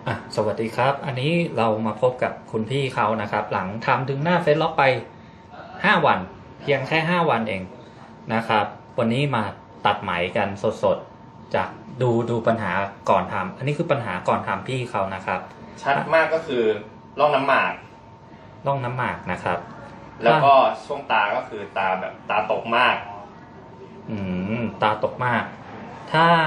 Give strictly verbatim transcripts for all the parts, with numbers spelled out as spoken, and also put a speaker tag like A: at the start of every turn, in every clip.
A: อ่ะสวัสดีครับอันนี้เรามาพบกับคุณพี่เขานะครับหลังทำดึงหน้าเฟซล็อกไปห้าวันเพียงแค่ห้าวันเองนะครับวันนี้มาตัดไหมกันสดๆจากดูดูปัญหาก่อนทำอันนี้คือปัญหาก่อนทำพี่เขานะครับ
B: ชัดมากก็คือร่องน้ำหมาก
A: ร่องน้ำหมากนะครับ
B: แล้วก็ช่วงตาก็คือตาแบบตาตกมาก
A: อืมตาตกมากถ้า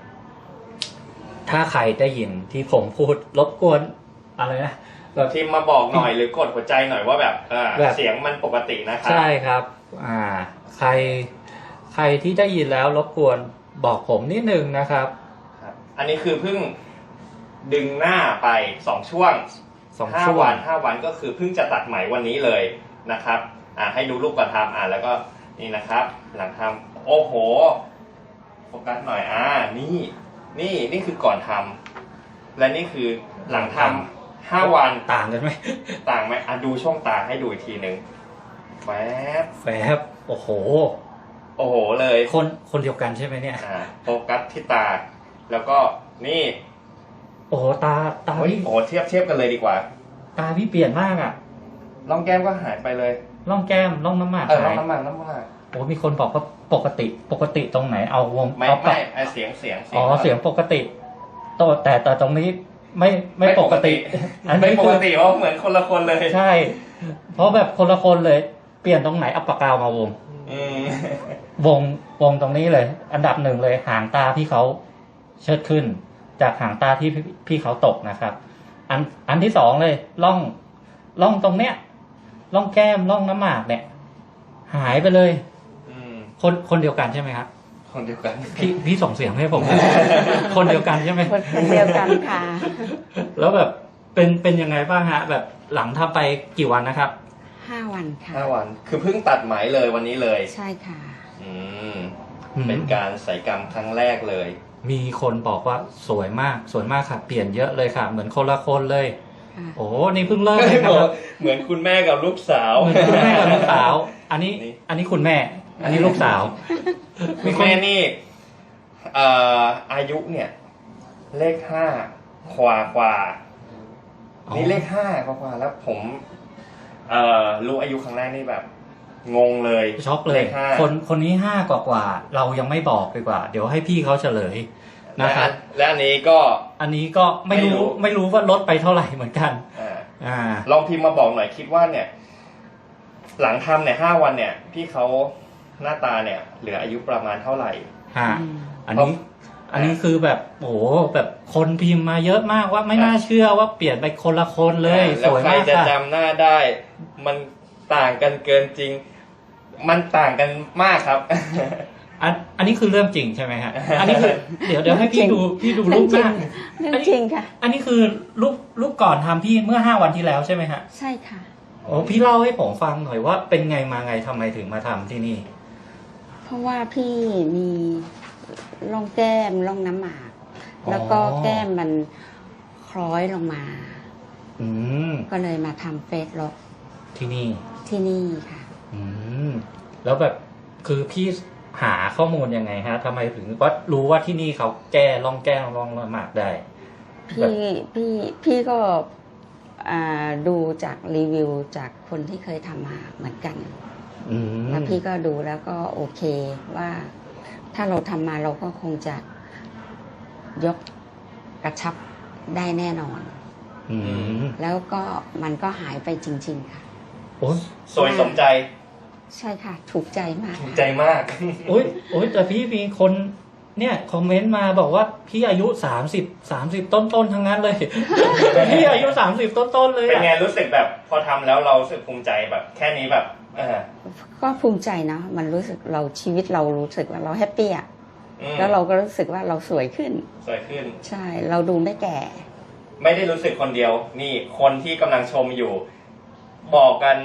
A: ถ้าใครได้ยินที่ผมพูดรบกวนอะไรนะ
B: แบบทีมมาบอกหน่อยหรือกดหัวใจหน่อยว่าแบบเสียงมันปกตินะครับ
A: ใช่ครับอ่าใครใครที่ได้ยินแล้วรบกวนบอกผมนิดนึงนะครับ
B: อันนี้คือเพิ่งดึงหน้าไปสองช่วง
A: สอง
B: ห้าวันห้าวันก็คือเพิ่งจะตัดไหมวันนี้เลยนะครับอ่าให้ดูรูปก่อนทำอ่าแล้วก็นี่นะครับหลังทำโอ้โหโฟกัสหน่อยอ่านี่นี่นี่คือก่อนทำและนี่คือหลังทำห้าวัน
A: ต่างกันไหม
B: ต่างไหมอ่ะดูช่องตาให้ดูอีกทีหนึ่งแฟบ
A: แฟบโอ้โห
B: โอ้โหเลย
A: คนคนเดียวกันใช่ไหมเนี่ย
B: อ่าโฟกัสที่ตาแล้วก็นี่
A: โอ้โหตาตา
B: พี่โอ้เทียบเทียบกันเลยดีกว่า
A: ตาพี่เปลี่ยนมากอ่ะ
B: ร่องแก้มก็หายไปเลย
A: ร่องแก้มร่องน้ำหมาก
B: เออร่องน้ำหมากน้ำหมาก
A: โอ้มีคนบอกว่าปกติปกติตรงไหนเอาวง
B: ไม่ไม่เสียงเสียง
A: อ๋อเสียงปกติแต่แต่แต่ตรงนี้ไม่ไม่ปกติ
B: อันไม่ปกติเพราะเหมือนคนละคนเลย
A: ใช่เพราะแบบคนละคนเลยเปลี่ยนตรงไหนเอาปากกามาวงวงวงตรงนี้เลยอันดับหนึ่งเลยหางตาพี่เขาเชิดขึ้นจากหางตาที่พี่เขาตกนะครับอันอันที่สองเลยล่องล่องตรงเนี้ยล่องแก้มล่องน้ำหมากเนี่ยหายไปเลยคนคนเดียวกันใช่ไหมครับ
B: คนเดียวกัน
A: พี่พี่ส่งเสียงให้ผมคนเดียวกันใช่ไหม
C: คนเดียวกันค่ะ
A: แล้วแบบเป็นเป็นยังไงบ้างฮะแบบหลังทำไปกี่วันนะครับ
C: ห้าวันค่ะ
B: ห้าวันคือเพิ่งตัดไหมเลยวันนี้เลย
C: ใช่ค่ะ
B: อืมเป็นการศัลยกรรมครั้งแรกเลย
A: มีคนบอกว่าสวยมากสวยมากค่ะเปลี่ยนเยอะเลยค่ะเหมือนคนละคนเลยโอ้นี่เพิ่งเริ่มเลยครับ
B: เหมือนคุณแม่กับลูกสาว
A: เหมือนคุณแม่กับลูกสาวอันนี้อันนี้คุณแม่อันนี้ลูกสาว
B: มีแม่นี่เอ่ออายุเนี่ยเลขห้าขวาขวานี่เลขห้าขวาขวาแล้วผมเอ่อรู้อายุครั้งแรกนี่แบบงงเลย
A: ช็อกเลยคนคนนี้ห้ากว่ากว่าเรายังไม่บอกดีกว่าเดี๋ยวให้พี่เขาเฉลยนะครับ
B: และอันนี้ก็
A: อันนี้ก็ไม่รู้ไม่รู้ว่าลดไปเท่าไหร่เหมือนกัน
B: อ่าลองพิมพ์มาบอกหน่อยคิดว่าเนี่ยหลังทำเนี่ยห้าวันเนี่ยพี่เขาหน้าตาเนี่ยเหลืออายุประมาณเท่าไหร่
A: ฮะอันนี้อันนี้คือแบบโอ้โหแบบคนพิมพ์มาเยอะมากว่าไม่น่าเชื่อว่าเปลี่ยนไปคนละคนเลยสวยมาก
B: ค่ะแล้วใครจะจำหน้าได้มันต่างกันเกินจริงมันต่างกันมากครับ
A: อันอันนี้คือเรื่องจริงใช่ไหมฮะอันนี้คือเดี๋ยวเดี๋ยวให้พี่ดูพี่ดูรูปหน้า
C: เรื่องจริงค่ะ
A: อันนี้คือรูปรูปก่อนทำพี่เมื่อห้าวันที่แล้วใช่ไหมฮะ
C: ใช่ค่ะ
A: โอ้พี่เล่าให้ผมฟังหน่อยว่าเป็นไงมาไงทำไมถึงมาทำที่นี่
C: เพราะว่าพี่มีร่องแก้มร่องน้ำหมากแล้วก็แก้มมันคล้อยลงมา
A: อืม
C: ก็เลยมาทำเฟซล็อก
A: ที่นี่
C: ที่นี่ค่ะ
A: อืมแล้วแบบคือพี่หาข้อมูลยังไงฮะทำไมถึงว่ารู้ว่าที่นี่เขาแก้ร่องแก้มร่องน้ำหมากได้
C: พี่พี่พี่ก็ดูจากรีวิวจากคนที่เคยทำมาเหมือนกันแล้วพี่ก็ดูแล้วก็โอเคว่าถ้าเราทำมาเราก็คงจะยกกระชับได้แน่นอนแล้วก็มันก็หายไปจริงๆค่ะ
A: โอ้
B: สวยสมใจ
C: ใช่ค่ะถูกใจมาก
B: ถูกใจมาก
A: โอ้ยโอ้ยแต่พี่มีคนเนี่ยคอมเมนต์มาบอกว่าพี่อายุสามสิบสามสิบต้นต้นทั้งนั้นเลยพี่อายุสามสิบต้นต้นเลย
B: เป็นไงรู้สึกแบบพอทำแล้วเรารู้สึกภูมิใจแบบแค่นี้แบบเออ
C: ก็ภูมิใจนะมันรู้สึกเราชีวิตเรารู้สึกว่าเราแฮปปี้อ่ะแล้วเราก็รู้สึกว่าเราสวยขึ้น
B: สวยขึ้น
C: ใช่เราดูไม่แก่
B: ไม่ได้รู้สึกคนเดียวนี่คนที่กำลังชมอยู่บอกกัน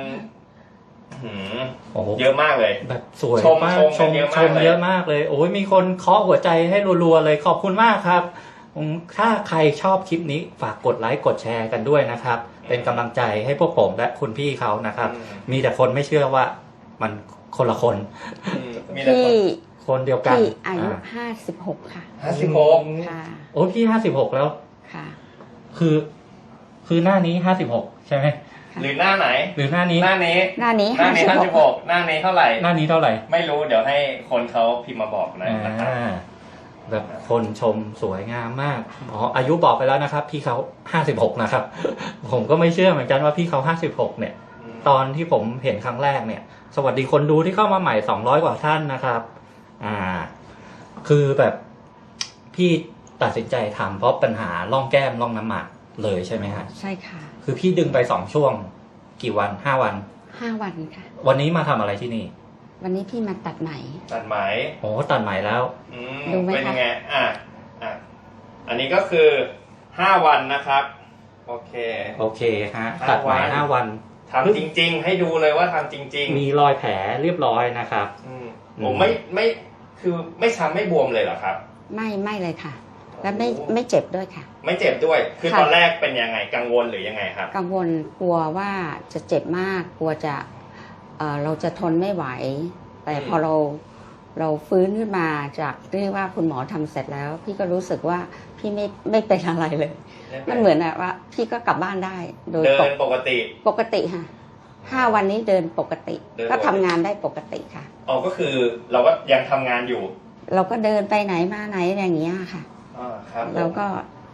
B: เยอะมากเลย
A: แบบสวยมากชมชมเยอะมากเลยโอ้ยมีคนเคาะหัวใจให้รัวๆเลยขอบคุณมากครับถ้าใครชอบคลิปนี้ฝากกดไลค์กดแชร์กันด้วยนะครับเป็นกำลังใจให้พวกผมและคุณพี่เขานะครับมีแต่คนไม่เชื่อว่ามันคนละคน
C: พี่
A: คนเดียวกัน
C: พี่อายุห้าสิบหกค่ะ
B: ห้าสิบหก
C: ค่ะ
A: โอ้พี่ห้าสิบหกแล้ว
C: ค่ะ
A: คือคือหน้านี้ห้าสิบหกใช่ไหม
B: หรือหน้าไหน
A: หรือหน้านี้
B: หน้านี้
C: หน้านี้
B: หน้านี้ห้า
C: ห้าสิ
B: สิ
C: บบ ห
B: ห
C: ก
B: กหน้านี้เท่าไหร่
A: หน้านี้เท่าไหร่
B: ไม่รู้เดี๋ยวให้คนเขาพิมพ์มาบอกนะ
A: อ่
B: นะครับ
A: าแบบคนชมสวยงามมากอ๋ออายุบอกไปแล้วนะครับ พี่เขาห้าสิบหกนะครับ ผมก็ไม่เชื่อเหมือนกันว่าพี่เขาห้าสิบหกเนี่ย ตอนที่ผมเห็นครั้งแรกเนี่ย สวัสดีคนดูที่เข้ามาใหม่สองร้อยกว่าท่านนะครับ อ่า คือแบบพี่ตัดสินใจทำเพราะปัญหาร่องแก้มร่องน้ำหมากเลยใช่ไหมฮะ
C: ใช่ค่ะ
A: คือพี่ดึงไปสองช่วง กี่วันห้าวัน
C: ห้าวันค่ะ
A: วันนี้มาทำอะไรที่นี่
C: วันนี้พี่มาตัดไหม
B: ตัดไหม
A: โอ้ตัดใหม่แล้ว
B: อืม
C: ดูไหมคะ
B: เป็นยังไงอ่ะอ่ะอันนี้ก็คือห้าวันนะครับ โอเค
A: โอเคฮะ
B: ห้า
A: ตัดใหม่
B: วัน
A: ห้าวัน
B: ทำจริง ๆ ให้ดูเลยว่าทำจริง
A: มีรอยแผลเรียบร้อยนะครับ
B: ๆอืม
A: อืม
B: ผมไม่ไม่คือไม่ช้ำไม่บวมเลยเหรอครับ
C: ไม่ไม่เลยค่ะ และไม่ไม่เจ็บด้วยค่ะ
B: ไม่เจ็บด้วย คือ
C: ค่ะ
B: ตอนแรกเป็นยังไงกังวลหรือยังไงครับ
C: กังวลกลัวว่าจะเจ็บมาก กลัวจะเอ่อเราจะทนไม่ไหว แต่
B: อืม
C: พอเราเราฟื้นขึ้นมาจากที่ว่าคุณหมอทำเสร็จแล้ว พี่ก็รู้สึกว่าพี่ไม่ไม่เป็นอะไรเลย มันเหมือนอะว่า พี่ก็กลับบ้านได้ โดย
B: เดิ
C: ป
B: น
C: ก
B: ปกติ
C: ปกติค่ะห้าวันนี้เดินปกติ
B: เดินปกติ
C: ก็ทำงานได้ปกติค่ะ
B: อ๋อก็คือเราก็ยังทำงานอยู่
C: เราก็เดินไปไหนมาไหนอย่างเงี้ยค่ะ
B: อ่าครับ
C: เราก็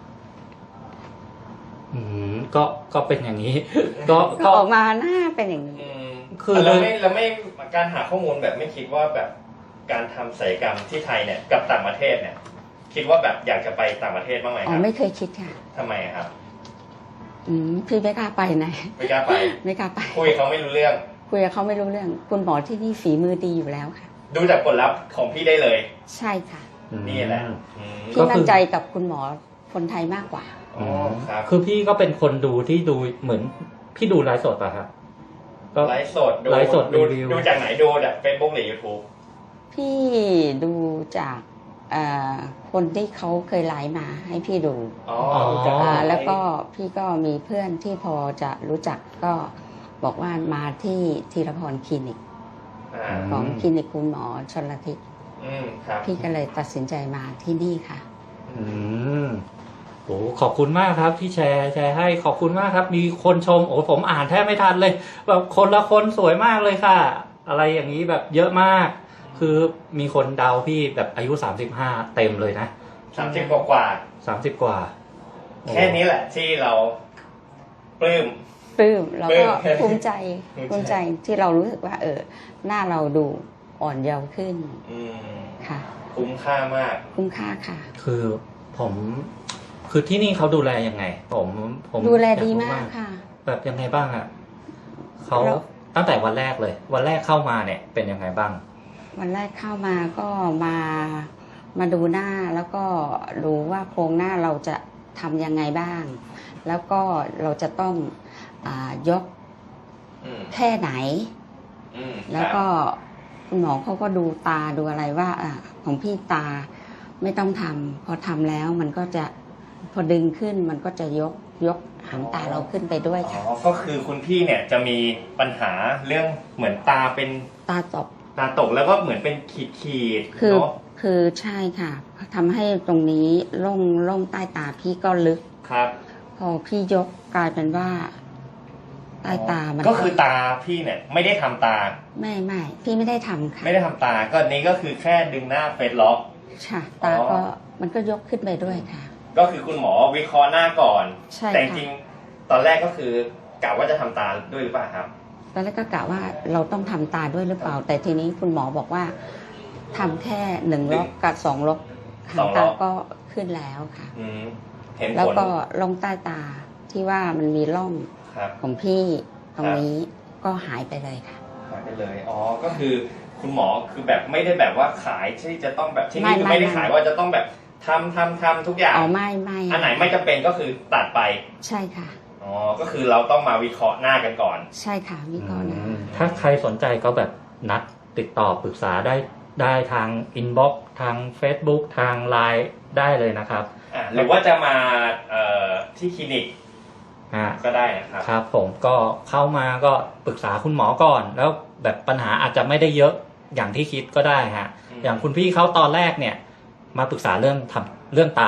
A: อืมก็ก็เป็นอย่างนี้ ก็
C: ก็ออกมาหน้าเป็นอย่างนี้
B: อืม
A: คือ
B: เราไม่เราไม่การหาข้อมูลแบบไม่คิดว่าแบบการทำศัลยกรรมที่ไทยเนี่ยกับต่างประเทศเนี่ย คิดว่าแบบอยากจะไปต่างประเทศบ้างไหม
C: อ๋
B: ค
C: อ
B: รับ
C: ไม่เคยคิดค่ะ
B: ทำไมครับ
C: อืมพี่ไม่กล้าไปไหน
B: ไม่กล้าไป
C: ไม่กล้าไป
B: คุยเขาไม่รู้เรื่อง
C: คุยกับเขาไม่รู้เรื่อง คุณหมอที่นี่ฝีมือดีอยู่แล้วค่ะ
B: ดูจากผลลัพธ์ของพี่ได้เลย
C: ใช่ค่ะ
A: อืม
B: นี่แหละอืม
C: พี่มั่นใจกับคุณหมอคนไทยมากกว่า
B: อ๋อครับ
A: คือพี่ก็เป็นคนดูที่ดูเหมือนพี่ดูไลฟ์สดป่ะครับก็
B: ไลฟ์สดดู
A: ไลฟ์สด
B: ดู
A: รีวิว
B: ดูจากไหนดูจากเฟซบุ๊กหรือยูทูบ
C: พี่ดูจากเอ่อคนที่เขาเคยไลฟ์มาให้พี่ดู
B: อ๋อ
A: อ๋อ
B: ดูจาก
C: อ่า
B: ไหน
C: แล้วก็พี่ก็มีเพื่อนที่พอจะรู้จักก็บอกว่ามาที่ธีรพรคลินิก
B: อ่า
C: ของคลินิกคุณหมอชลทิศ
B: อืมครับ
C: พี่ก็เลยตัดสินใจมาที่นี่ค่ะ
A: อืมโอ้ขอบคุณมากครับที่แชร์แชร์ให้ขอบคุณมากครับ มีคนชมโอ้ผมอ่านแทบไม่ทันเลยแบบคนละคนสวยมากเลยค่ะ อะไรอย่างนี้แบบเยอะมาก คือมีคนเดาพี่แบบอายุสามสิบห้าเต็มเลยนะ
B: สามสิบกว่ากว่า
A: สามสิบกว่า
B: แค่นี้แหละที่เราปลื้ม
C: ปลื้มแล้ว
B: ปลื้
C: ก็
B: ม
C: ภูมิใจ
B: ภูมิใจ
C: ภูมิใจที่เรารู้สึกว่า เออ หน้าเราดูอ่อนเยาว์ขึ้น
B: อืม
C: ค่ะ
B: คุ้มค่ามาก
C: คุ้มค่าค่ะ
A: คือผม คือที่นี่เขาดูแลยังไง ผมผม
C: ดูแลดี
A: อยรู้
C: มากค่ะ
A: แบบยังไงบ้างอะเขา
C: แล้ว
A: ตั้งแต่วันแรกเลย วันแรกเข้ามาเนี่ยเป็นยังไงบ้าง
C: วันแรกเข้ามาก็มามาดูหน้าแล้วก็ดูว่าโครงหน้าเราจะทำยังไงบ้าง แล้วก็เราจะต้องอายก
B: อืม
C: แค่ไหน
B: อืม
C: แล้วก็คุณหมอเขาก็ดูตาดูอะไรว่าอ่ะของพี่ตาไม่ต้องทำพอทำแล้วมันก็จะพอดึงขึ้นมันก็จะยกยกหางตาเราขึ้นไปด้วย
B: อ๋อ
C: ค่ะ
B: ก็คือคุณพี่เนี่ยจะมีปัญหาเรื่องเหมือนตาเป็น
C: ตาตบ
B: ตาตกแล้วก็เหมือนเป็นขีดขีดๆ
C: คือ
B: เนาะ
C: คือใช่ค่ะทำให้ตรงนี้ล่องล่องใต้ตาพี่ก็ลึก
B: ครับ
C: พอพี่ยกกลายเป็นว่าใต้ตามัน
B: ก็คือตาพี่เนี่ยไม่ได้ทำตา
C: ไม่ไม่พี่ไม่ได้ทำค่ะ
B: ไม่ได้ทำตาก็นี้ก็คือแค่ดึงหน้าเฟซล็อก
C: ค่ะ ตา
B: อ๋อ
C: ก็มันก็ยกขึ้นไปด้วยค่ะ
B: ก็คือคุณหมอวิเคราะห์หน้าก่อน
C: ใช่
B: แต่จ
C: ค่ะ
B: ริงๆตอนแรกก็คือกะว่าจะทำตาด้วยหรือเปล่าครับ
C: ตอนแรกก็กะว่าเราต้องทำตาด้วยหรือเปล่า แต่ทีนี้คุณหมอบอกว่าทำแค่หนึ่งล็อกกับสองล็อกหางตาก็ขึ้นแล้วค่ะ
B: อืมเห็น
C: แล้ว
B: ผล
C: ก็ล่องใต้ตาที่ว่ามันมีร่อง
B: ครับ
C: ของพี่ตรงนี้ก็หายไปเลยค่ะ
B: หายไปเลย อ๋อ ก็คือคุณหมอคือแบบไม่ได้แบบว่าขายที่จะต้องแบบที่นี่คือ
C: ไม่
B: ไม่ได้
C: ไม่
B: ขายว่าจะต้องแบบทำทำทำทุกอย่าง
C: อ๋อไม่ไม่
B: อันไหนไม่จำเป็นก็คือตัดไป
C: ใช่ค่ะ
B: อ๋อ ก็คือเราต้องมาวิเคราะห์หน้ากันก่อน
C: ใช่ค่ะวิเคราะห์นะ
A: อืมถ้าใครสนใจก็แบบนัดติดต่อปรึกษาได้ได้ทางอินบ็อกซ์ทาง Facebook ทาง ไลน์ ได้เลยนะครับ
B: อ่ะหรือว่าจะมาเอ่อที่คลินิก
A: อ่า
B: ก็ได้นะครับ
A: ครับผมก็เข้ามาก็ปรึกษาคุณหมอก่อน แล้วแบบปัญหาอาจจะไม่ได้เยอะอย่างที่คิดก็ได้ฮะ
B: อืม
A: อย่างคุณพี่เขาตอนแรกเนี่ย มาปรึกษาเรื่องทำเรื่องตา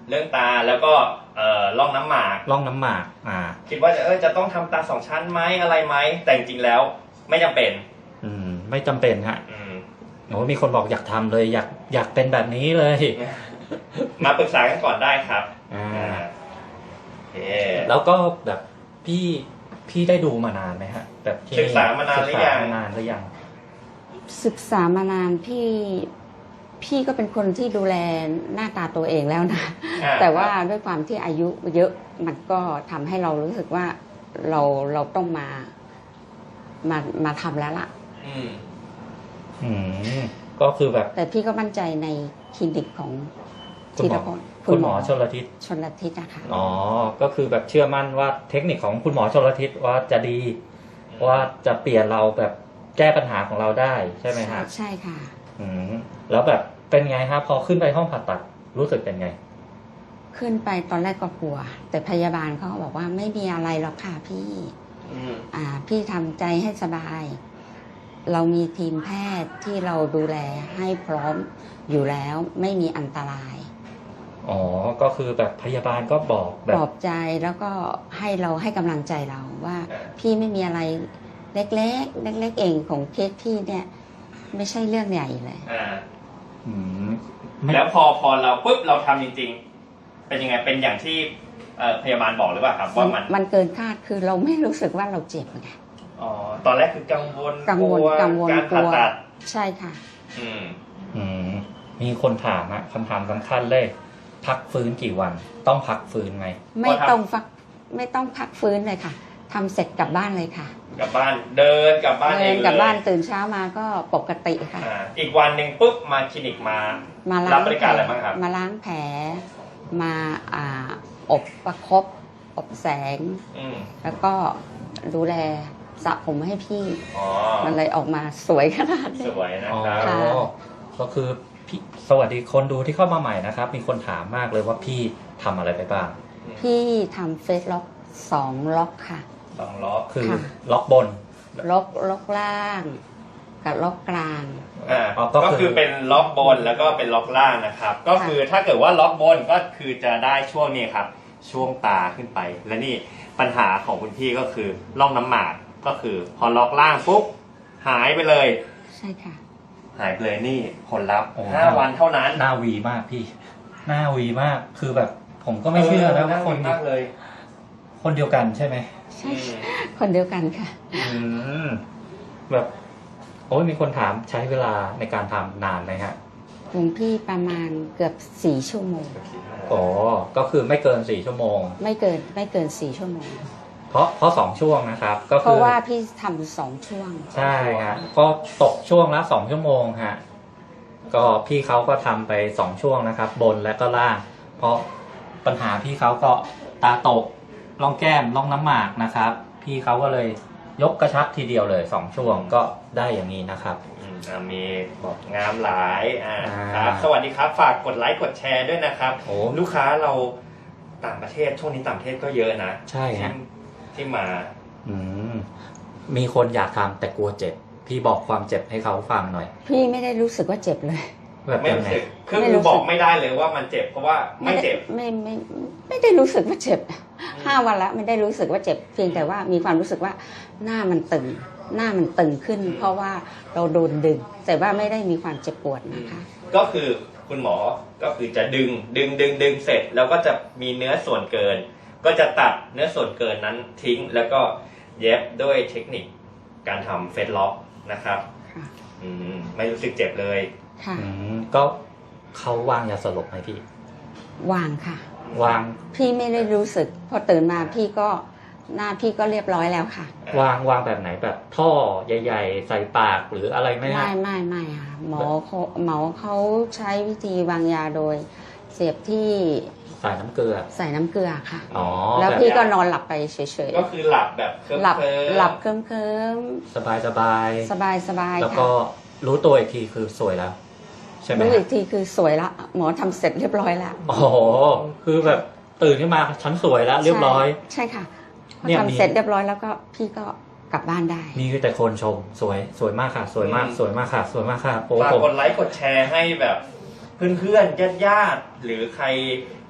B: เรื่องตาแล้วก็เอ่อร่องน้ำหมาก
A: ร่องน้ำหมากอ่า
B: คิดว่าจะเออจะต้องทำตาสองชั้นไหมอะไรไหมแต่จริงๆแล้วไม่จำเป็น
A: อืมไม่จำเป็นฮะ
B: อืม
A: โอ้มีคนบอกอยากทำเลยอยากอยากเป็นแบบนี้เลย
B: มาปรึกษากันก่อนได้ครับ
A: อ่า
B: โอเค
A: แล้วก็แบบพี่พี่ได้ดูมานานไหมฮะแบบที่
B: ศึกษามานานหรือยัง
A: ศึกษามานานหรือยัง
C: ศึกษามานานพี่พี่ก็เป็นคนที่ดูแลหน้าตาตัวเองแล้วนะ
B: อ่
C: แต่ว่าด้วยความที่อายุเยอะมันก็ทำให้เรารู้สึกว่าเราเราต้องมามามาทำแล้วล่ะ
B: อืม
A: อืมก็คือแบบ
C: แต่พี่ก็มั่นใจในคลินิกของ
A: คุณ
C: ธี
A: หม
C: ร
A: อ
C: พล
A: คุณหมอชลทิศ
C: ชนลทิศนะคะ
A: อ๋อก็คือแบบเชื่อมั่นว่าเทคนิคของคุณหมอชลทิศว่าจะดีว่าจะเปลี่ยนเราแบบแก้ปัญหาของเราได้ใช่ไหมฮะ
C: ใช่ค่ะ
A: อืมแล้วแบบเป็นไงฮะพอขึ้นไปห้องผ่าตัดรู้สึกเป็นไง
C: ขึ้นไปตอนแรกก็กลัว แต่พยาบาลเขาก็บอกว่าไม่มีอะไรหรอกค่ะพี่
B: อืม
C: อ่าพี่ทำใจให้สบาย เรามีทีมแพทย์ที่เราดูแลให้พร้อมอยู่แล้วไม่มีอันตราย
A: อ๋อก็คือแบบพยาบาลก็บอกแบ
C: ป
A: บ
C: ลอบใจแล้วก็ให้เราให้กำลังใจเราว่า พี่ไม่มีอะไรเล็กๆ เล็กๆเองของเคสพี่เนี่ย ไม่ใช่เรื่องใหญ่เลย
B: อ่า
A: อืมไม่
B: แล้วพอพอเราปุ๊บเราทำจริงๆ เป็นยังไงเป็นอย่างที่เอ่อพยาบาลบอกหรือเปล่าครับว่ามัน
C: มันเกินคาดคือเราไม่รู้สึกว่าเราเจ็บไง
B: อ๋อตอนแรกคือกังวล
C: กังวล
B: ลั
C: กังวล
B: การ
C: ก
B: ผ่า
C: ลัว
B: ตัด
C: ใช่ค่ะ
B: อืม
A: อืมมีคนถามอะคำถามสำคัญเลย พักฟื้นกี่วัน ต้องพักฟื้นไหม
C: ไม่ต้องฟักไม่ต้องพักฟื้นเลยค่ะทำเสร็จกลับบ้านเลยค่ะ
B: กลับบ้านเดินกลับบ้านเอ
C: เดิ
B: ง
C: น
B: เลย
C: กลับบ้านตื่นเช้ามาก็ปกติค่ะ
B: อ่าอีกวันหนึ่งปุ๊บมาคลินิกมา
C: มา
B: รั
C: ล้า
B: บ
C: ง
B: บริการอะไรบ้างครับ
C: มาล้างแผลมาอ่าอบประคบอบแสง
B: อืม
C: แล้วก็ดูแลสระผมให้พี่
B: อ๋อ
C: มันเลยออกมาสวยขนาด
B: ส
C: นี้
B: วยนะ
A: อ๋อ
B: ครับ
C: ค่ะ
A: ก็คือพี่สวัสดีคนดูที่เข้ามาใหม่นะครับ มีคนถามมากเลยว่าพี่ทำอะไรไปบ้าง
C: พี่ทำเฟซล็อกสองล็อกค่ะ
B: สองล้อ
A: คือ
C: ค่ะ
A: ล็อกบน
C: ล็อกล็อกล่าง กับล็อกกลาง
B: อ่า
A: อ๋อก็คือ
B: ก็คือเป็นล็อกบนแล้วก็เป็นล็อกล่างนะครับ ก็คือถ้าเกิดว่าล็อกบนก็คือจะได้ช่วงนี้ครับ ช่วงตาขึ้นไป และนี่ปัญหาของคุณพี่ก็คือร่องน้ำหมากก็คือพอล็อกล่างปุ๊บหายไปเลย
C: ใช่ค่ะ
B: หายไปเลยนี่ผลลัพธ์
A: โอ้
B: ห้าวันเท่านั้น
A: หน้าวีมากพี่ หน้าวีมากคือแบบ ผมก็ไม่เชื่อนะว่าคน
B: มากเลย
A: คนเดียวกันใช่ไหม
C: ใช่คนเดียวกันค่ะ
A: อืมแบบโอ้ยมีคนถามใช้เวลาในการทำนานไหมฮะ
C: ของพี่ประมาณเกือบสี่ชั่วโมง
A: อ๋อก็คือไม่เกินสี่ชั่วโมง
C: ไม่เกินไม่เกินสี่ชั่วโมง
A: เพราะเพราะสองช่วงนะครับ ก็
C: เพ
A: คือ
C: ราะว่าพี่ทำสองช่วง
A: ใช่ฮะก็ตกช่วงละสองชั่วโมงฮะก็พี่เขาก็ทำไปสองช่วงนะครับ บนและก็ล่าง เพราะปัญหาพี่เขาก็ตาตกร่องแก้มร่องน้ำหมากนะครับ พี่เขาก็เลยยกกระชับทีเดียวเลยสองช่วงก็ได้อย่างนี้นะครับ
B: อืมอ่ามีบอกงามหลายอ่า
A: อ่า
B: ครับสวัสดีครับ ฝากกดไลค์กดแชร์ด้วยนะครับ
A: โอ้
B: ลูกค้าเราต่างประเทศช่วงนี้ต่างประเทศก็เยอะนะ
A: ใช่ฮะ
B: ที่ที่มา
A: อืมมีคนอยากทำแต่กลัวเจ็บ พี่บอกความเจ็บให้เขาฟังหน่อย
C: พี่ไม่ได้รู้สึกว่าเจ็บเลย
A: แบบ
B: ไม่
A: ยัง
B: รู้
A: ไง
B: สึกคือ
C: ไม่
B: คื
C: รู้
B: อ
C: สึก
B: บอกไม่ได้เลยว่ามันเจ็บเพราะว่าไม่เจ็บ
C: ไม่ไม่ไม่ไม่ได้รู้สึกว่าเจ็บห้าวันละไม่ได้รู้สึกว่าเจ็บ เพียงแต่ว่ามีความรู้สึกว่าหน้ามันตึง หน้ามันตึงขึ้น เพราะว่าเราโดนดึง แต่ว่าไม่ได้มีความเจ็บปวดนะคะ
B: ก็คือคุณหมอก็คือจะดึงดึงดึงดึงเสร็จ แล้วก็จะมีเนื้อส่วนเกิน ก็จะตัดเนื้อส่วนเกินนั้นทิ้ง แล้วก็เย็บด้วยเทคนิคการทำเฟสล็อกนะครับ
C: ค่ะ
B: อืมไม่รู้สึกเจ็บเลย
C: ค่ะ
A: อืมก็เขาวางยาสลบไหมพี่
C: วางค่ะ
A: วาง
C: พี่ไม่ได้รู้สึก พอตื่นมาพี่ก็หน้าพี่ก็เรียบร้อยแล้วค่ะ
A: วางวางแบบไหนแบบท่อใหญ่ ๆ ใส่ปากหรืออะไรไหม
C: ไม่
A: ฮะ
C: ไม่ไม่ค่ะหมอเขาหมอเขาใช้วิธีวางยาโดย เสียบที่
A: ใส่น้ำเกลือ
C: ใส่น้ำเกลือค่ะ
A: อ๋อ
C: แล้ว
A: แบบ
C: พี่ก็นอนหลับไปเฉย
B: ก็คือหลับแบบเคลิ้ม
C: ๆ หลับ
B: ๆ
C: หลับเคลิ้มเคลิม
A: สบายสบาย
C: สบายสบาย
A: แล้ว
C: ค่ะ
A: ก็รู้ตัวอีกทีคือสวยแล้ว ใช่ไหม
C: รู้
A: ฮะ
C: อีกทีคือสวยละ หมอทำเสร็จเรียบร้อยแล้ว
A: โอ้โหคือแบบตื่นขึ้นมาฉันสวยแล้วเรียบร้อย
C: ใช่ค่ะพอ
A: เนี่ยมี
C: ทำเสร็จเรียบร้อยแล้วก็พี่ก็กลับบ้านได้
A: มีแต่คนชมสวยสวยมากค่ะ สวยมากสวยมากค่ะ สวยมากค่ะโอ้
B: ฝาก
A: ผม
B: กดไลค์กดแชร์ให้แบบเพื่อนๆญาติๆหรือใคร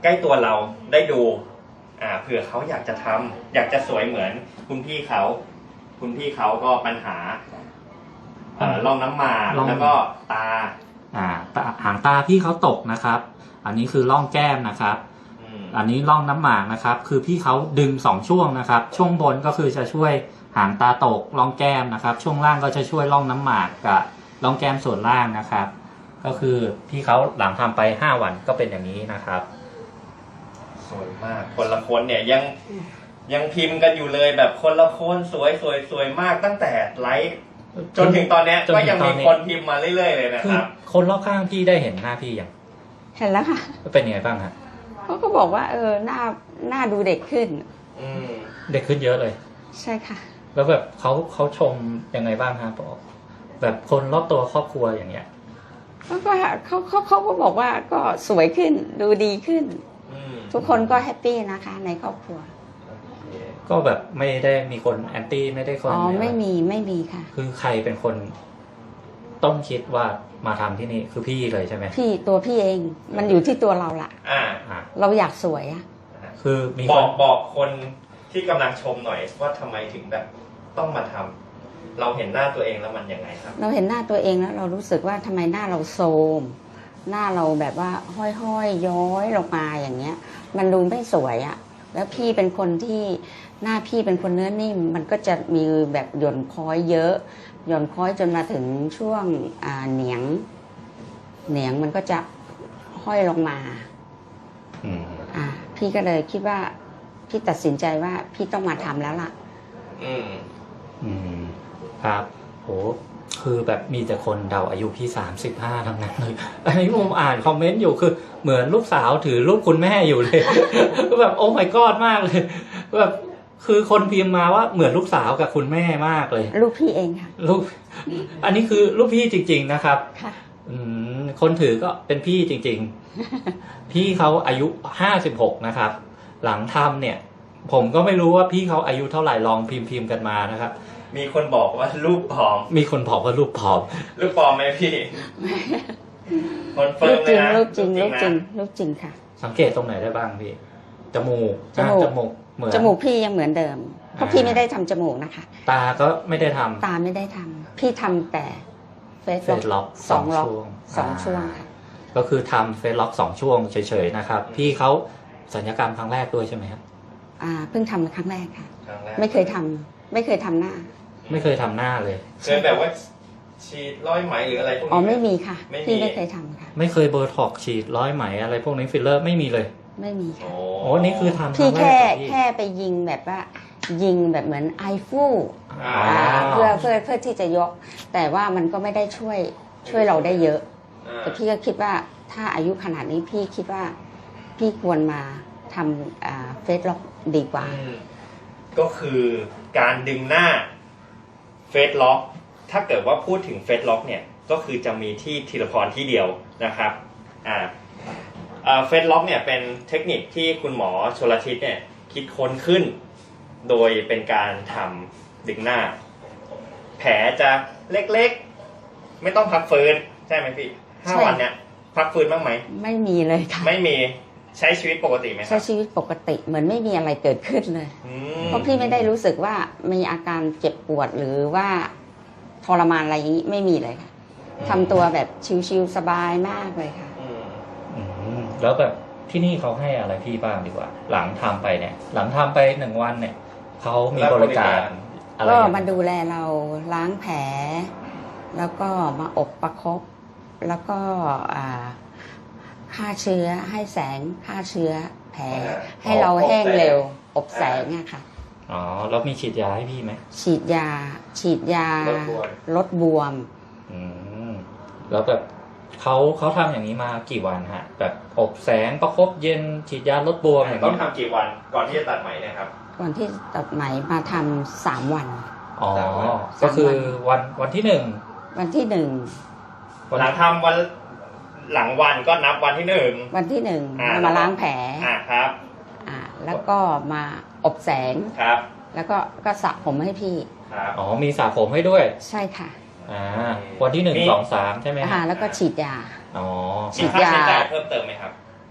B: ใกล้ตัวเราได้ดูอ่าเผื่อเขาอยากจะทำอยากจะสวยเหมือนคุณพี่เขาคุณพี่เขาก็ปัญหาเอ่อร่องน้ำหมาก
A: ร่อง
B: แล้วก็ตา
A: อ่าตาหางตาพี่เขาตกนะครับ อันนี้คือร่องแก้มนะครับ
B: อืม
A: อันนี้ร่องน้ำหมากนะครับ คือพี่เขาดึงสองช่วงนะครับ ช่วงบนก็คือจะช่วยหางตาตกร่องแก้มนะครับ ช่วงล่างก็จะช่วยร่องน้ำหมากกับร่องแก้มส่วนล่างนะครับ ก็คือพี่เขาหลังทำไปห้าวันก็เป็นอย่างนี้นะครับ
B: สวยมาก คนละคนเนี่ยยังยังพิมพ์กันอยู่เลยแบบคนละคนสวยสวยสวยมากตั้งแต่ไลฟ์จนถึงตอนเนี้ย
A: จนถึง
B: ก็ยังมี
A: ตอนนี้
B: คนพิมพ์มาเรื่อยๆเลยนะ
A: คื
B: ค
A: อ
B: รับ
A: คนรอบข้างพี่ได้เห็นหน้าพี่ยัง
C: เห็นแล้วค่ะ
A: เป็นยังไงบ้างฮะ
C: เขาก็บอกว่าเออหน้าหน้าดูเด็กขึ้น
B: อืม
A: เด็กขึ้นเยอะเลย
C: ใช่ค่ะ
A: แล้วแบบเขาเขาชมยังไงบ้างฮะบอกแบบคนรอบตัวครอบครัวอย่างเงี้ย
C: เขาก็เขาเขาเขาก็บอกว่าก็สวยขึ้นดูดีขึ้น
B: อืม
C: ทุกคนก็แฮปปี้นะคะ ในครอบครัว
A: ก็แบบไม่ได้มีคนแอนตี้ไม่ได้คน
C: อ๋อไม่มีไม่มีค่ะ
A: คือใครเป็นคนต้องคิดว่ามาทำที่นี่คือพี่เลยใช่ไหม
C: พี่ตัวพี่เองมันอยู่ที่ตัวเราละ
B: อ่า
A: อ่ะ
C: เราอยากสวยอะ
A: คือมี
B: บ
A: ค
B: อน กบอกคนที่กำลังชมหน่อยว่าทำไมถึงแบบต้องมาทำเราเห็นหน้าตัวเองแล้วมันยังไงครับ
C: เราเห็นหน้าตัวเองแล้วเรารู้สึกว่าทำไมหน้าเราโทรมหน้าเราแบบว่าห้อยๆย้อยลงมาอย่างเงี้ย มันดูไม่สวยอะแล้วพี่เป็นคนที่หน้าพี่เป็นคนเนื้อนิ่ม มันก็จะมีแบบหย่อนค้อยเยอะ หย่อนค้อยจนมาถึงช่วงอ่าเหนียง เหนียงมันก็จะห้อยลงมา
A: อืม
C: อ่าพี่ก็เลยคิดว่าพี่ตัดสินใจว่าพี่ต้องมาทำแล้วล่ะ
B: อืม
A: อืมครับโหคือแบบมีแต่คนเดาอายุพี่สามสิบห้าทั้งนั้นเลยอันนี้ผมอ่านคอมเมนต์อยู่คือเหมือนลูกสาวถือรูปคุณแม่อยู่เลย ก็แบบโอ้ my god มากเลยแบบคือคนพิมพ์มาว่าเหมือนลูกสาวกับคุณแม่มากเลย
C: ลูกพี่เองค่ะ
A: ลูก อันนี้คือลูกพี่จริง ๆนะครับ
C: ค่ะ
A: อืมคนถือก็เป็นพี่จริง ๆ พี่เขาอายุห้าสิบหกนะครับ หลังทำเนี่ย ผมก็ไม่รู้ว่าพี่เขาอายุเท่าไหร่ลองพิมพ์พิมพ์กันมานะครับ
B: มีคนบอกว่ารูปผอม
A: มีคนบอกว่ารูปผอม
B: รูปปลอมไหมพี่คอนเฟิ
C: รู
B: ร์ม
C: ป
B: เล
C: จริ
B: ย
C: ง
B: นะ
C: รูปจริงรูป
B: นะ
C: จริงรูปจริงค่ะ
A: สังเกตตรงไหนได้บ้างพี่ จมูก
C: จมูก
A: อ่าจมูกเหมือน
C: จมูกพี่ยังเหมือนเดิม เพราะ
A: อ่า
C: พี่ไม่ได้ทำจมูกนะคะ
A: ตาก็ไม่ได้ทำ
C: ตาไม่ได้ทำพี่ทำแต่เฟซ
A: เฟซล็อก
C: สองล็อก
A: ช่วง
C: สอง
A: อ่า
C: ช่วงค่ะ
A: ก็คือทำเฟซล็อกสองช่วงเฉยๆนะครับ พี่เขาสัญญกรรมครั้งแรกด้วยใช่ไหมครับ
C: อ่าเพิ่งทำครั้งแรกค่ะ
B: ครั้งแรก
C: ไม่เคยทำไม่เคยทำหน้า
A: ไม่เคยทำหน้าเลย
B: เคยแบบว่าฉีดร้อยไหมหรืออะไรพวกนี้
C: อ๋อไม่มีค่ะ
B: ไม่มี
C: พี่ไม่เคยทำค่ะ
A: ไม่เคยโบท็อกซ์ฉีดร้อยไหมอะไรพวกนี้ฟิลเลอร์ไม่มีเลย
C: ไม่มี
B: โอ้
C: ค่ะ
A: โอ้นี่คือทำค
C: พี่
A: รั้งแร
C: แค่
A: กเหรอพี่
C: แค่ไปยิงแบบว่า ยิงแบบเหมือนไอฟู
B: อ่า
C: อ่าเพื่อเพื่อเพื่อที่จะยก แต่ว่ามันก็ไม่ได้ช่วยช่วยเราได้เยอะ
B: อ่า
C: แต่พี่ก็คิดว่าถ้าอายุขนาดนี้พี่คิดว่าพี่ควรมาทำเฟซล็อกดีกว่า
B: อืมก็คือการดึงหน้าเฟซล็อกถ้าเกิดว่าพูดถึงเฟซล็อกเนี่ยก็คือจะมีที่ธีรพรที่เดียวนะครับอ่าเฟซล็อกเนี่ยเป็นเทคนิคที่คุณหมอชลทิศเนี่ยคิดค้นขึ้น โดยเป็นการทำดึงหน้า แผลจะเล็กๆไม่ต้องพักฟื้นใช่ไหมพี่ห้า
C: ใช่
B: วันเนี่ยพักฟื้นบ้างไหม
C: ไม่มีเลยค่ะ
B: ไม่มีใช้ชีวิตปกติไหมค
C: ใช้
B: รับ
C: ชีวิตปกติเหมือนไม่มีอะไรเกิดขึ้นเลย
B: อืม
C: เพราะพี่ไม่ได้รู้สึกว่ามีอาการเจ็บปวดหรือว่าทรมานอะไรอย่างนี้ไม่มีเลยค่ะทำตัวแบบชิวๆสบายมากเลยค่ะ
B: อืม
A: อืมแล้วแบบที่นี่เขาให้อะไรพี่บ้างดีกว่า หลังทำไปเนี่ย หลังทำไปหนึ่งวันเนี่ยเขามีบริการอะไร
C: ก็
A: อย่าง
C: มา
A: เงี้ย
C: ดูแลเราล้างแผล แล้วก็มาอบประคบ แล้วก็อ่าฆ่าเชื้อให้แสงฆ่าเชื้อแผล ให้เราแห้งเร็ว อบแสงอะค่ะ
A: อ๋อแล้วมีฉีดยาให้พี่ไหม
C: ฉีดยา ฉีดยา ลดบวม
A: อืมแล้วแบบเขาเขาทำอย่างนี้มากี่วันฮะ แบบอบแสงประคบเย็นฉีดยาลดบวมอย่าง
B: ต้อง
A: นี้
B: ทำกี่วันก่อนที่จะตัดไหมเนะครับ
C: ก่อนที่ตัดไหมมาทำสามวัน
A: อ๋อ
B: สามวัน
A: ก็คือวันวันที่หนึ่ง
C: วันที่หนึ่ง
B: หลังทำวันหลังวันก็นับวันที่หนึ่ง
C: วันที่หนึ่ง
B: อ่า
C: มาล้างแผล
B: อ่าครับ
C: อ่าแล้วก็มาอบแสง
B: ครับ
C: แล้วก็ก็สระผมให้พี่
B: ครับ
A: อ๋อมีสระผมให้ด้วย
C: ใช่ค่ะ
A: อ่าวันที่หนึ่ง
B: มี
A: สองสามใช่ไหม
C: อ่า
A: ฮะ
C: แล้วก็ฉีดยา
A: อ๋อ
C: ฉี
B: มี
C: ด
B: ค่าใช้
C: ยา
B: จ่ายเพิ่มเติมไหมครับ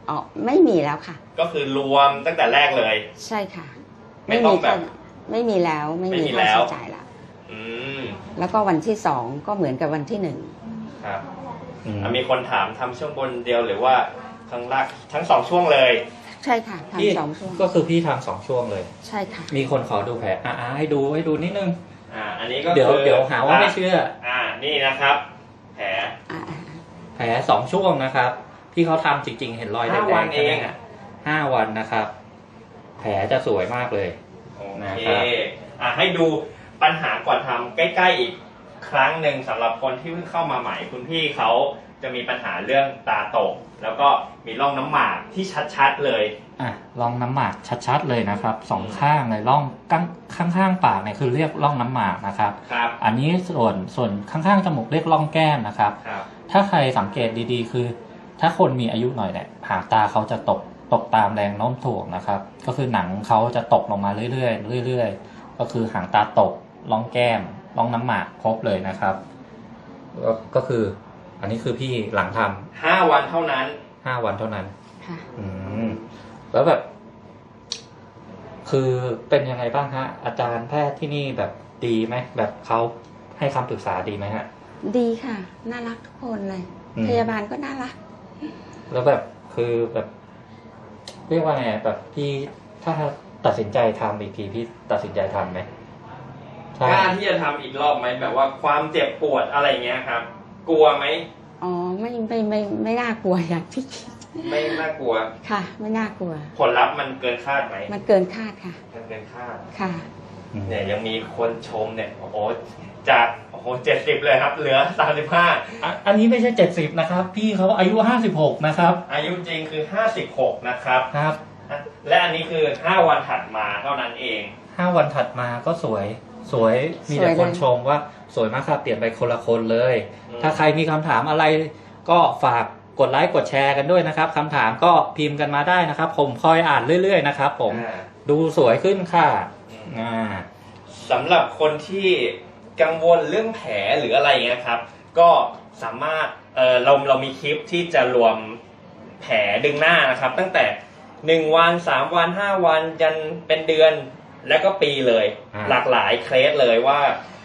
C: อ๋อไม่มีแล้วค่ะ
B: ก็คือรวมตั้งแต่แรกเลย
C: ใช่ค่ะ
B: ไม่ต้องแบบ
C: ไม่มีแล้วไม่
B: ไม่
C: มี
B: มี
C: ค่า
B: แล้ว
C: ใช้จ่ายแล้ว
B: อืม
C: แล้วก็วันที่สองก็เหมือนกับวันที่หนึ่ง
B: ครับ
A: อืม
B: อ่ะมีคนถามทำช่วงบนเดียวหรือว่าข้างล่างทั้งสองช่วงเลย
C: ใช่ค่ะ
A: พี่
C: ทำสองช่วง
A: ก็คือพี่ทำสองช่วงเลย
C: ใช่ค่ะ
A: มีคนขอดูแผลอ่าให้ดูให้ดูนิดนึง
B: อ่า อันนี้ก็
A: เดี๋ยว
B: คือ
A: เดี๋ยวหาว่าไม่เชื่อ
B: อ่า นี่นะครับ แผล
C: อ่า
A: แผลสองช่วงนะครับที่เขาทำจริง ๆ เห็นรอยแด
B: ห้าง วัน
A: ๆ
B: เอ
A: ใช่ไหม
B: ง
A: ฮะห้าวันนะครับ แผลจะสวยมากเลย
B: โอ
A: นะ
B: เค
A: ครับ
B: อ่ะให้ดูปัญหาก่อนทำใกล้ๆอีกครั้งหนึ่งสำหรับคนที่เพิ่งเข้ามาใหม่คุณพี่เขาจะมีปัญหาเรื่องตาตก แล้วก็มีร่องน้ำหมากที่ชัดๆเลย
A: อ่ะร่องน้ำหมากชัดๆเลยนะครับสองข้างเลยร่องข้างข้างๆปากเนี่ยคือเรียกร่องน้ำหมากนะครับ
B: ครับ
A: อันนี้ส่วนส่วนข้างๆจมูกเรียกร่องแก้มนะครับ
B: ครับ
A: ถ้าใครสังเกตดีๆ คือ ถ้าคนมีอายุหน่อยเนี่ยหางตาเขาจะตกตกตามแรงโน้มถ่วงนะครับ ก็คือหนังเขาจะตกลงมาเรื่อยๆเรื่อยๆก็คือหางตาตกร่องแก้มร่องน้ำหมากครบเลยนะครับก็ก็คือ อันนี้คือพี่หลังทำ
B: ห้าวันเท่านั้น
A: ห้าวันเท่านั้น
C: ค่ะ
A: อืมแล้วแบบ คือเป็นยังไงบ้างฮะ อาจารย์แพทย์ที่นี่แบบดีไหมแบบเขาให้คำปรึกษาดีไหมฮะ
C: ดีค่ะ น่ารักทุกคนเลย
A: อืม
C: พยาบาลก็น่ารัก
A: แล้วแบบคือแบบ เรียกว่าไงแบบพี่ถ้าตัดสินใจทำอีกทีพี่ตัดสินใจทำไหม
B: กล้าที่จะทำอีกรอบไหมแบบว่าความเจ็บปวดอะไรเงี้ยครับ กลัวไหม
C: อ๋อไม่ไม่ไม่ไม่น่ากลัวอย่างที่คิด
B: ไม่น่ากลัว
C: ค่ะ ไม่น่ากลัว
B: ผลลัพธ์มันเกินคาดไหม
C: มันเกินคาดค่ะ
B: มันเกินคาด
C: ค่ะ
A: อืม
B: เนี่ยยังมีคนชมเนี่ยโอ้โหจากโอ้โหเจ็ดสิบเลยครับ เหลือสามสิบห้า
A: อ่ะอันนี้ไม่ใช่เจ็ดสิบนะครับ พี่เขาอายุห้าสิบหกนะครับ
B: อายุจริงคือห้าสิบหกนะครับ
A: ครับ
B: และอันนี้คือห้าวันถัดมาเท่านั้นเอง
A: ห้าวันถัดมาก็สวย สวยมีแต่
C: สวยเลย
A: คนชมว่าสวยมากครับเปลี่ยนไปคนละคนเลย
B: อืม
A: ถ้าใครมีคำถามอะไร ก็ฝากกดไลค์กดแชร์กันด้วยนะครับคำถามก็พิมพ์กันมาได้นะครับ ผมคอยอ่านเรื่อยๆนะครับผม
B: อ่า
A: ดูสวยขึ้นค่ะ
B: อืม
A: อ่า
B: สำหรับคนที่กังวลเรื่องแผลหรืออะไรเงี้ยครับ ก็สามารถเออเราเรามีคลิปที่จะรวมแผลดึงหน้านะครับ ตั้งแต่หนึ่งวันสามวันห้าวันยันเป็นเดือนแล้วก็ปีเลย
A: อ่า
B: หลากหลายเคสเลยว่า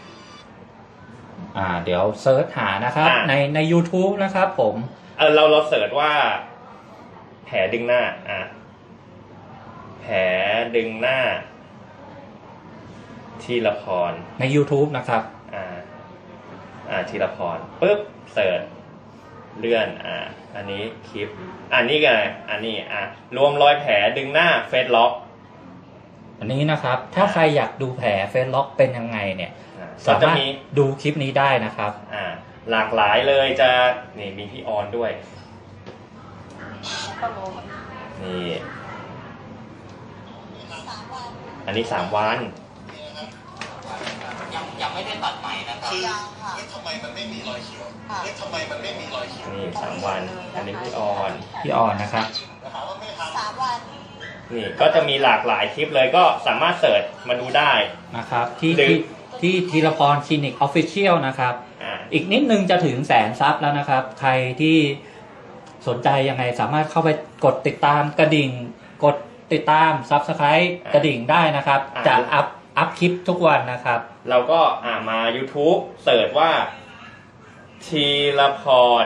A: อ่า เดี๋ยวเซิร์ชหานะครับ
B: อ่า
A: ในใน YouTube นะครับผม
B: เออเราเราเสิร์ชว่า แผลดึงหน้าอ่ะแผลดึงหน้า ทีละพร
A: ใน YouTube นะครับ
B: อ่า อ่าทีละพรปุ๊บเสิร์ชเลื่อน อ่า อันนี้คลิป อันนี้กันอันนี้ อ่ะรวมรอยแผลดึงหน้าเฟซล็อก
A: อันนี้นะครับ ถ้าใครอยากดูแผลเฟซล็อกเป็นยังไงเนี่ย
B: อ่า
A: สา
B: ก็จะ
A: มารถ
B: มี
A: ดูคลิปนี้ได้นะครับ
B: อ่า หลากหลายเลยจะ นี่มีพี่ออนด้วย นี่ อันนี้สามวัน
D: ยังยังไม่ได้ตัดใหม่นะครับ
E: คือเอ๊ะทำไมมันไม่มีรอยเขียวเอ๊ะทำไมมันไม่มีรอยเขียว
B: นี่สามวัน อันนี้พี่ออน
A: พี่ออนนะครับ
E: ถามว่าไม่ท
D: สามวัน
B: นี่ก็จะมีหลากหลายคลิปเลยก็สามารถเสิร์ชมาดูได้
A: นะครับ ที่
B: หรือ
A: ที่ที่ธีรพรคลินิกออฟฟิเชียลนะครับ
B: อ่า
A: อีกนิดนึงจะถึงแสนซับแล้วนะครับ ใครที่สนใจยังไงสามารถเข้าไปกดติดตามกระดิ่ง กดติดตามซับสไครต์กระดิ่งได้นะครับ
B: อ่า
A: จะอัพอัพคลิปทุกวันนะครับ
B: เราก็อ่ามา YouTube เสิร์ชว่า ทีละพร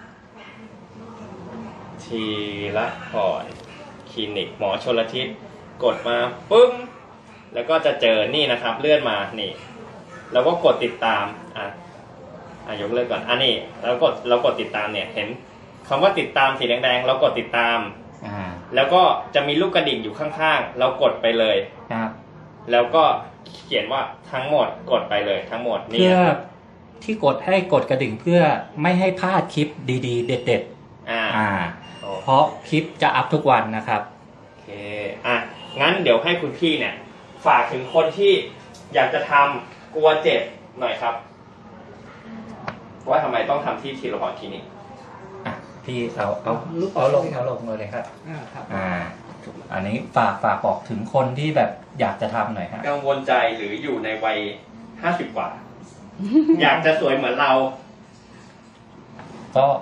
B: ทีละพรคลินิกหมอชลทิศกดมาปึ้ง แล้วก็จะเจอนี่นะครับ เลื่อนมานี่เราก็กดติดตามอ่ะอ่ะยกเลิกก่อนอันนี้เรากดเรากดติดตามเนี่ย เห็นคำว่าติดตามสีแดงๆเรากดติดตาม
A: อ่า
B: แล้วก็จะมีลูกกระดิ่งอยู่ข้างๆ เรากดไปเลย
A: ครับ
B: แล้วก็เขียนว่าทั้งหมดกดไปเลยทั้งหมดนี่
A: เพื่อ
B: นะครับ
A: ที่กดให้กดกระดิ่งเพื่อไม่ให้พลาดคลิปดีๆ เด็ด
B: อ่า
A: ๆ อ่า
B: โอ้
A: เพราะคลิปจะอัพทุกวันนะครับ
B: โอเคอ่ะงั้นเดี๋ยวให้คุณพี่เนี่ย ฝากถึงคนที่อยากจะทำกลัวเจ็บหน่อยครับ ว่าทำไมต้องทำที่ทีละพรคลินิก
A: อ่ะพี่เอาเอาเอาลงเอาลงเลยครับ อ่า อันนี้ฝากฝากบอกถึงคนที่แบบอยากจะทำหน่อยฮะ
B: กังวลใจหรืออยู่ในวัยห้าสิบกว่า อยากจะสวยเหมือนเรา
A: ก็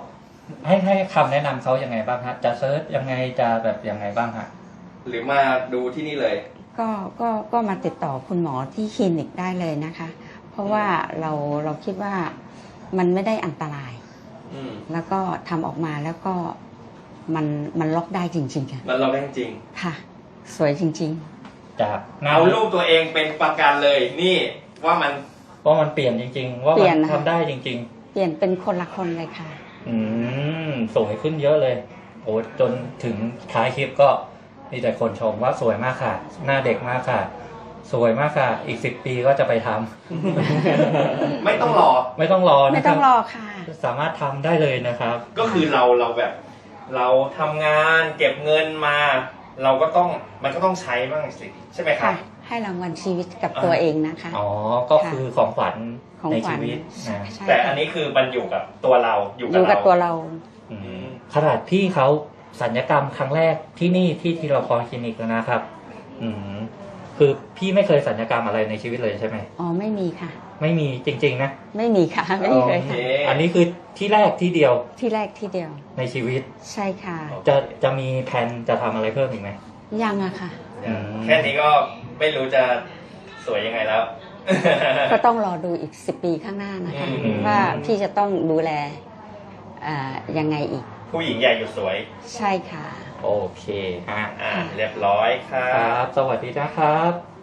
A: ให้ให้คำแนะนำเขายังไงบ้างฮะจะเซิร์ชยังไงจะแบบยังไงบ้างฮะ
B: หรือมาดูที่นี่เลย
C: ก็ก็ก็มาติดต่อคุณหมอที่คลินิกได้เลยนะคะ เพราะว่าเราเราคิดว่ามันไม่ได้อันตราย
B: อืม
C: แล้วก็ทำออกมาแล้วก็มันมันล็อกได้จริงๆค่ะ
B: มันเราได้จริง
C: ค่ะ สวยจริง
A: จากหน้า
B: เอารูปตัวเองเป็นประกันเลย นี่ว่ามัน
A: ว่ามันเปลี่ยนจริง ๆ ว่า
C: เปลี่
A: มั
C: ยน
A: น
C: นะคะ
A: ทำได้จริง
C: ๆ เปลี่ยนเป็นคนละคนเลยค่ะ
A: ๆ อืมสวยขึ้นเยอะเลยโอ้จนถึงท้ายคลิปก็มีแต่คนชมว่าสวยมากค่ะ หน้าเด็กมากค่ะ สวยมากค่ะ อีกสิบปีก็จะไปทำ
B: ไม่ต้องรอ
A: ไม่ต้องรอ
C: ไม่
A: นะค
C: ต้
A: รั
C: อบ งรอค่ะ
A: สามารถทำได้เลยนะครับ
B: ก็คือเราเราแบบ เราทำงานเก็บเงินมา เราก็ต้องมันก็ต้องใช้บ้างสิใช่ไหมครั
C: ค่ะ
B: บ
C: ให้รางวัลชีวิตกับตัวเองนะคะ
A: อ๋อ ก็คือของขวัญ
C: ของ
A: ใน
C: ขวั
A: ชี
C: ญ
A: วิตนะ
C: ใช่
B: แต่
C: ค่ะ
B: อันนี้คือมันอยู่กับตัวเราอยู่
C: อยู่กับตัวเรา
A: อืมขนาดพี่เขาสัญญกรรมครั้งแรกที่นี่ที่ทีรพรคลินิกแล้วนะครับ อืมคือพี่ไม่เคยสัญญกรรมอะไรในชีวิตเลยใช่ไหม
C: อ๋อไม่มีค่ะ
A: ไม่มีจริง ๆ นะ
C: ไม่มีค่ะ ไม่เคย
B: โอเค
C: ค่ะ
A: อันนี้คือที่แรกที่เดียว
C: ที่แรกที่เดียว
A: ในชีวิต
C: ใช่ค่ะ
A: จะจะมีแผนจะทำอะไรเพิ่มอีกไหม
C: ยังอะค่ะ
A: อืม
B: แค่นี้ก็ไม่รู้จะสวยยังไงแล้ว
C: ก็ต้องรอดูอีกสิบปีข้างหน้านะคะ
B: อืม
C: ว่าพี่จะต้องดูแลอ่ายังไงอีก
B: ผู้หญิงใหญ่อยู่สวย
C: ใช่ค่ะ
A: โอเคฮะ
B: อ่า เรียบร้อยครั
A: ครับ บ สวัสดีนะครับ